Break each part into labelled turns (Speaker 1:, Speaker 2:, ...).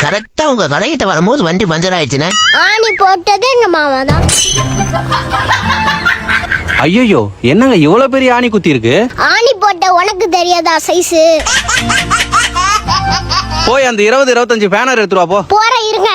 Speaker 1: கரெக்டா உங்க கடைகிட்ட வரும்போது வண்டி பஞ்சர் ஆயிடுச்சுனே.
Speaker 2: ஆணி போட்டது எங்க மாமா தான்.
Speaker 3: ஐயோ, என்னங்க இவ்வளவு பெரிய ஆணி குத்தி இருக்கு?
Speaker 2: ஆணி போட்ட உனக்கு தெரியாதா சைஸ்?
Speaker 3: போய் அந்த 20-25 பேனர் எடுத்துருவா போ.
Speaker 2: போற இருங்க.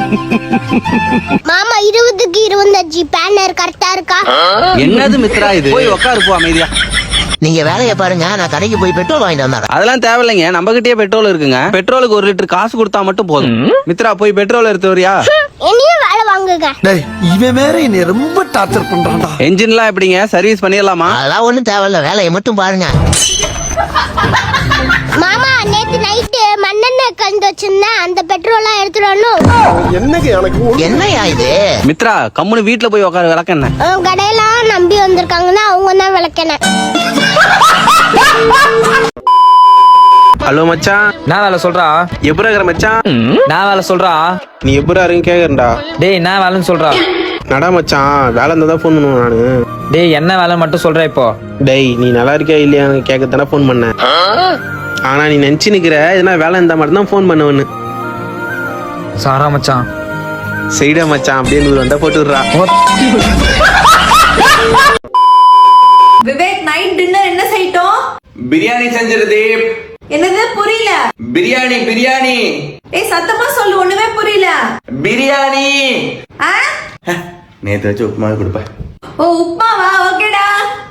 Speaker 2: மாமா 20க்கு 25 பேனர் கரெக்டா இருக்கா?
Speaker 3: என்னது மித்ரா இது? போய் உட்காரு போ அமைதியா.
Speaker 1: நீங்க வேலையை பாருங்க, நான் கடைக்கு போய் பெட்ரோல் வாங்கிட்டு வந்தேன்.
Speaker 3: அதெல்லாம் தேவையில்லைங்க, நம்ம கிட்டே பெட்ரோல் இருக்குங்க. பெட்ரோலுக்கு 1 லிட்டர் காசு கொடுத்தா மட்டும் போதும். மித்ரா போய் பெட்ரோல் எடுத்து வரியா?
Speaker 2: என்னையும் வேலை வாங்குங்க.
Speaker 4: டேய், இவன் வேற என்னை ரொம்ப டார்ச்சர் பண்றான்டா.
Speaker 3: என்ஜின்லாம் எப்படிங்க, சர்வீஸ் பண்ணிடலாமா?
Speaker 1: அதெல்லாம் ஒண்ணும் தேவையில்ல, வேலையை மட்டும் பாருங்க.
Speaker 2: மாமா நேத்து நைட்டு மண்ணெண்ணெய் கலந்து வச்சிருந்தேன், அந்த பெட்ரோலாம் எடுத்துடணும்.
Speaker 1: என்னையா இது?
Speaker 3: மித்ரா கம்முனு வீட்டுல போய் உட்காரு, விளக்கென்ன.
Speaker 2: கடையெல்லாம் நம்பி வந்திருக்காங்கன்னா அவங்க தான் விளக்கெண்ணெய்.
Speaker 5: ஹலோ மச்சான்,
Speaker 6: நான் வேலை சொல்றா.
Speaker 5: எப்படி இருக்கிற மச்சான்?
Speaker 6: நான் வேலை சொல்றா.
Speaker 5: நீ எப்படி இருங்க கேக்குறா?
Speaker 6: டேய் நான் வேலைன்னு சொல்றா.
Speaker 5: நடா மச்சான், வேலை இருந்தா தான் ஃபோன் பண்ணுவேன் நானு.
Speaker 6: டேய் என்ன வேலை மட்டும் சொல்ற இப்போ.
Speaker 5: டேய் நீ நல்லா இருக்கியா இல்லையான்னு கேட்கத்தானே ஃபோன் பண்ணேன். ஆனா நீ நினைச்சு நிக்கிற எதுனா வேலை இருந்தா மட்டும் தான் ஃபோன் பண்ணுவேன்னு.
Speaker 6: சாரா மச்சான்.
Speaker 5: சரிடா மச்சான், அப்படியே 100 வந்தா போட்டு விடுறா.
Speaker 7: விவேக், நைட் டின்னர் என்ன செய்யட்டும்?
Speaker 8: பிரியாணி செஞ்சிருது.
Speaker 7: என்னது புரியல?
Speaker 8: பிரியாணி பிரியாணி.
Speaker 7: ஏய் சத்தமா சொல்லு, ஒண்ணுமே புரியல.
Speaker 8: பிரியாணி.
Speaker 7: ஆ?
Speaker 8: நேத்து வச்சு உப்புமாவே கொடுப்பேன்.
Speaker 7: ஓ உப்மாவா? ஓகேடா.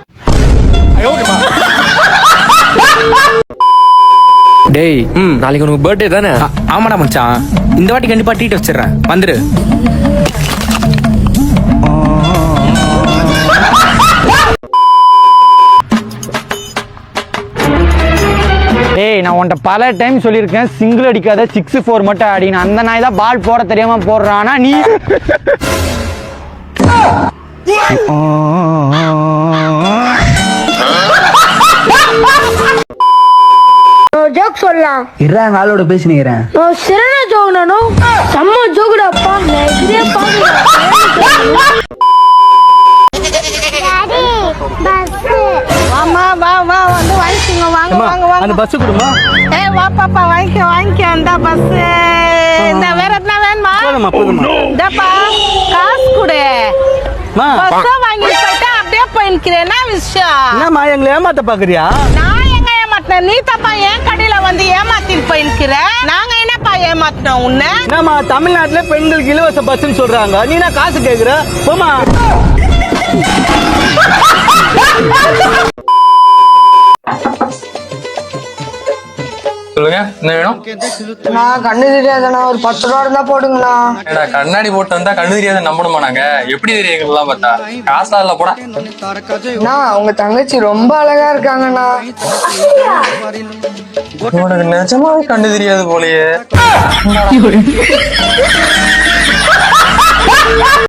Speaker 6: டேய் நாளைக்கு உனக்கு பர்த்டே தானே? ஆமாடா மச்சான், இந்த வாட்டி கண்டிப்பா ட்ரீட் வச்சிடுறேன், வந்துரு.
Speaker 9: ஏய் நான் உன்கிட்ட பல டைம் சொல்லியிருக்கேன், சிங்கிள் அடிக்காத 6-4 மட்டும் அடிக்கணும். அந்த நாய் தான் பால் போட தெரியாம போடுறானா நீ.
Speaker 2: ஜோக் சொல்லலாம்.
Speaker 9: இறேன் வேலையோட பேசினேன்.
Speaker 2: சிறன ஜோக் நானும் செம்ம ஜோக்குடாப்பா. நான் இதே
Speaker 10: ஆமா வா வா வந்து வாங்கிக்கோங்க. வாங்க வாங்க வாங்க.
Speaker 9: அந்த பஸ் கொடுமா.
Speaker 10: ஏய் வா பாப்பா, வாங்கிக்க அந்த பஸ். இந்த வேற என்ன வேணுமா?
Speaker 9: போதுமா போதுமா.
Speaker 10: டப்பா காசு கொடு. பஸ் வாங்கி போய்ட்டா அப்படியே போயிக்கிறேன். என்ன விஷயம்?
Speaker 9: என்னம்மா எங்களை ஏமாத்த பாக்குறியா?
Speaker 10: நான் எங்க ஏமாத்தினேன்? நீ தப்பா என் கடையில வந்து ஏமாத்திட்டு போயிருக்கிற. நாங்க என்னப்பா ஏமாத்தினோம் உன்னை?
Speaker 9: என்னம்மா தமிழ்நாட்டுல பெண்களுக்கு இலவச பஸ்ன்னு சொல்றாங்க, நீ நான் காசு கேக்குற? போமா.
Speaker 11: சொல்லுங்க, என்ன வேணும்?
Speaker 10: நான் கண்ணு தெரியாதண்ணா, ஒரு 10 ரூபா இருந்தா போடுங்களா.
Speaker 11: ஏடா கண்ணாடி போட்டு வந்தா கண்ணு தெரியாத நம்பணுமா நாங்க? எப்படி தெரியுங்களா பார்த்தா காசா இல்ல போடா.
Speaker 10: உங்க தங்கச்சி ரொம்ப அழகா இருக்காங்கண்ணா.
Speaker 11: உனக்கு நிஜமாவே கண்ணு தெரியாது போலயே.